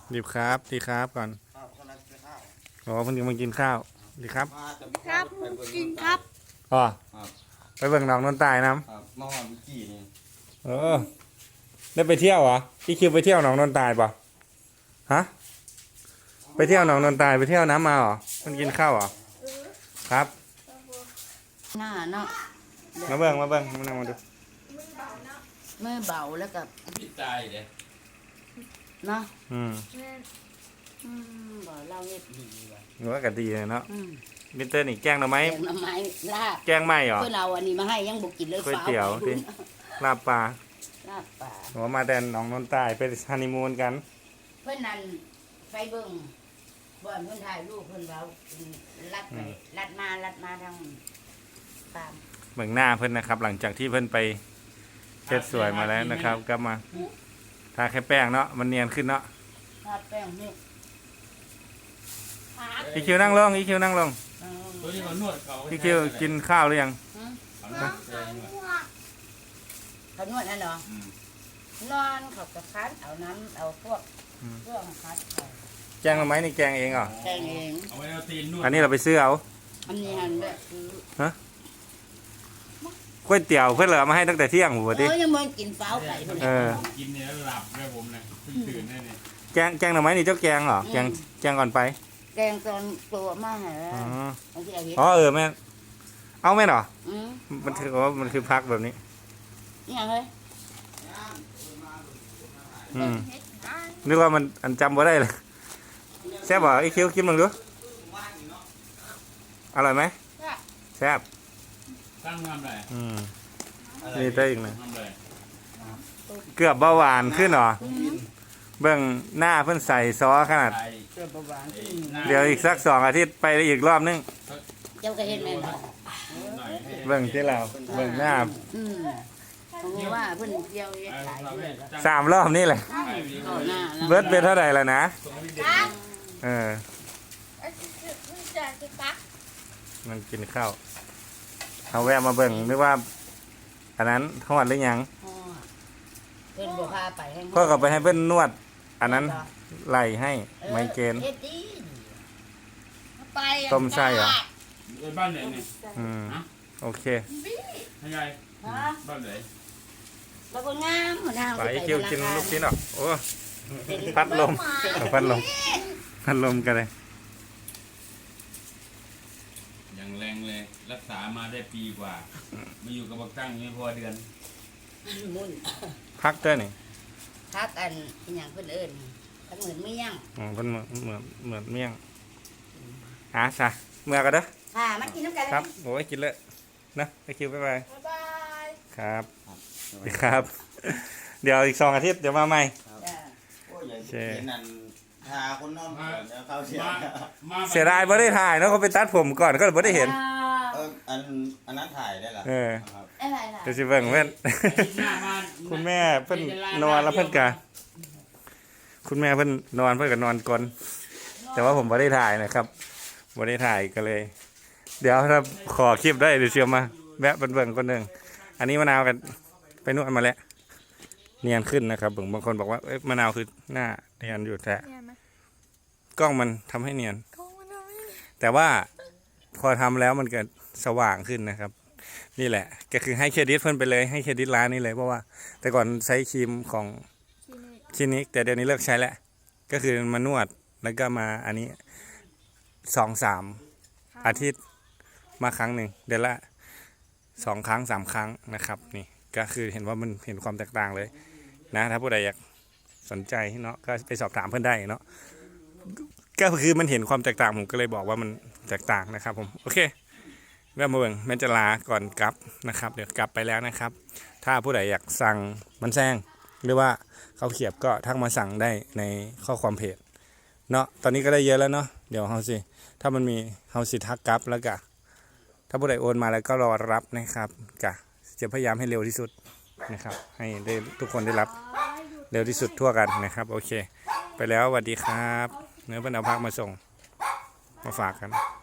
ดีครับดีครับก่อนอ๋อเพิ่งมากินข้าวดีครับครับกินครับอ๋อไปเบิ่งน้องนนตายน้ำมาหอมกี่นี่ำได้ไปเที่ยวเหรอพี่คิวไปเที่ยวน้องนนตายป่ะฮะไปเที่ยวน้องนนตายไปเที่ยวน้ำมาเหรอมันกินข้าวเหรอครับหน้าเนาะมาเบิ่งมานั่งมาดูมือเบาแล้วกับพี่ตายเลยเนาะบ่เราเฮ็ดดีว่ะหนูก็ดีเลยเนาะมิเตอร์นี่แกงหน่อไม้แกงหน่อไม้ลาบแกงไหม้เหรอเพื่อเราอันนี้มาให้ยังบุกกินเลยก๋วยเตี๋ยวที่ลาบปลาลาบปลาหนูมาแต่น้องนนตายไปฮันนีมูนกันเพื่อนนั่นไปเบิ่งบ่อนเพื่อนถ่ายรูปเพื่อนเราลัดไปลัดมาทางตามเบิ่งหน้าเพื่อนนะครับหลังจากที่เพื่อนไปเช็ดสวยมาแล้วนะครับกลับมาทาแค่แป้งเนาะมันเนียนขึ้นเนาะทาแป้งนี่อีคิวนั่งลงอีคิวนั่งลงอีคิวกินข้าวหรือยังเขานวดนั่นเหรอนอนเขากระคันเอาน้ำเอาพวกเครื่องคัดแกงเอาไหมนี่แกงเองเหรอแกงเองอันนี้เราไปซื้อเอาอันนี้หันแบบฮะก๋วยเตี๋ยวเพื่อนเหลือมาให้ตั้งแต่เที่ยงหัวดิยังมันกินเฝ้าไก่กินเนี่ยหลับเลยผมเลยตื่นได้เนี่ยแกงหน่อไม้นี่เจ้าแกงเหรอแกงก่อนไปแกงตอนตัวมากเหรอแม่เอาแม่เหรอมันถือว่ามันคือพักแบบนี้นี่ไงนึกว่ามันอันจำว่าได้เลยแซ่บเหรอไอ้คิวกินมึงดูอร่อยไหมแซ่บตั้งทำอะไรนี่ได้อีกนะเกือบเบาหวานขึ้นหรอเบื้องหน้าเพิ่นใส่ซอสขนาดเดี๋ยวอีกสัก2 อาทิตย์ไปอีกรอบนึงเจ้าก็เห็นไหมเบื้องที่เราเบื้องหน้าผมว่าเพิ่นเที่ยว 3 รอบนี่แหละเบิร์ดเป็นเท่าไหร่แล้วนะมันกินข้าวเอาแวะมาเบิ่งนึกว่าอันนั้นทอดหรือยังเพิ่นบ่พาไปก็กลับไปให้เพิ่นนวดอันนั้นไหลให้ไมเกรนต้มไส้เหรอบ้านไหนนี่โอเคยังไงบ้านไหนแล้วก็งามหัวหน้าไปคิวกินลูกชิ้นหรอโอ้พัดลมกันเลยอย่างแรงเลยรักษามาได้ปีกว่ามาอยู่กับบักตั้งไม่พอเดือนพักเต้นนี่พักอันอย่างเพื่อนเอิญทั้งเหมือนเมี่ยงเพื่อนเหมือนเมี่ยงซะเมื่อกันเด้อค่ะมากินน้ำกันครับโอ้ยกินเลยนะไปคิวบ๊ายบายครับครับเดี๋ยวอีก2 อาทิตย์เดี๋ยวมาใหม่เช่นนั้นทาคนนอนเขาเสียดายไม่ได้ถ่ายเนาะเขาไปตัดผมก่อนก็ไม่ได้เห็นอันนั้นถ่ายได้หรอเดี๋ยวสิเบิ่งเพื่อนคุณแม่เพิ่นนอนแล้วเพิ่นกะคุณแม่เพิ่นนอนเพิ่นก็นอนก่อนแต่ว่าผมไม่ได้ถ่ายนะครับไม่ได้ถ่ายก็เลยเดี๋ยวถ้าขอคลิปได้เดี๋ยวเชียวมาแวะเบิ่งคนหนึ่งอันนี้มะนาวกันไปนวดมาแล้วเนียนขึ้นนะครับบางคนบอกว่ามะนาวคือหน้าเนียนอยู่แต่กล้องมันทำให้เนียนแต่ว่าพอทำแล้วมันเกิดสว่างขึ้นนะครับนี่แหละก็คือให้เครดิตเพิ่นไปเลยให้เครดิตร้านนี้เลยเพราะว่าแต่ก่อนใช้ครีมของคลินิกแต่เดี๋ยวนี้เลิกใช้แล้วก็คือมานวดแล้วก็มาอันนี้2-3 อาทิตย์มาครั้งหนึ่งเดือนละ2 ครั้ง 3 ครั้งนะครับนี่ก็คือเห็นว่ามันเห็นความแตกต่างเลยนะถ้าผู้ใดอยากสนใจเนาะก็ไปสอบถามเพื่อนได้เนาะก็คือมันเห็นความแตกต่างผมก็เลยบอกว่ามันแตกต่างนะครับผมโอเคแวะมาเบิ่งแม่จะลาก่อนกลับนะครับเดี๋ยวกลับไปแล้วนะครับถ้าผู้ใดอยากสั่งมันแซงหรือว่าเขาเขียบก็ทักมาสั่งได้ในข้อความเพจเนาะตอนนี้ก็ได้เยอะแล้วเนาะเดี๋ยวเฮาสิถ้ามันมีเฮาสิทักกลับแล้วก็ถ้าผู้ใดโอนมาแล้วก็รอรับนะครับกะจะพยายามให้เร็วที่สุดนะครับให้ได้ทุกคนได้รับเร็วที่สุดทั่วกันนะครับโอเคไปแล้วสวัสดีครับเนื้อเพิ่นเอาพักมาส่งมาฝากกัน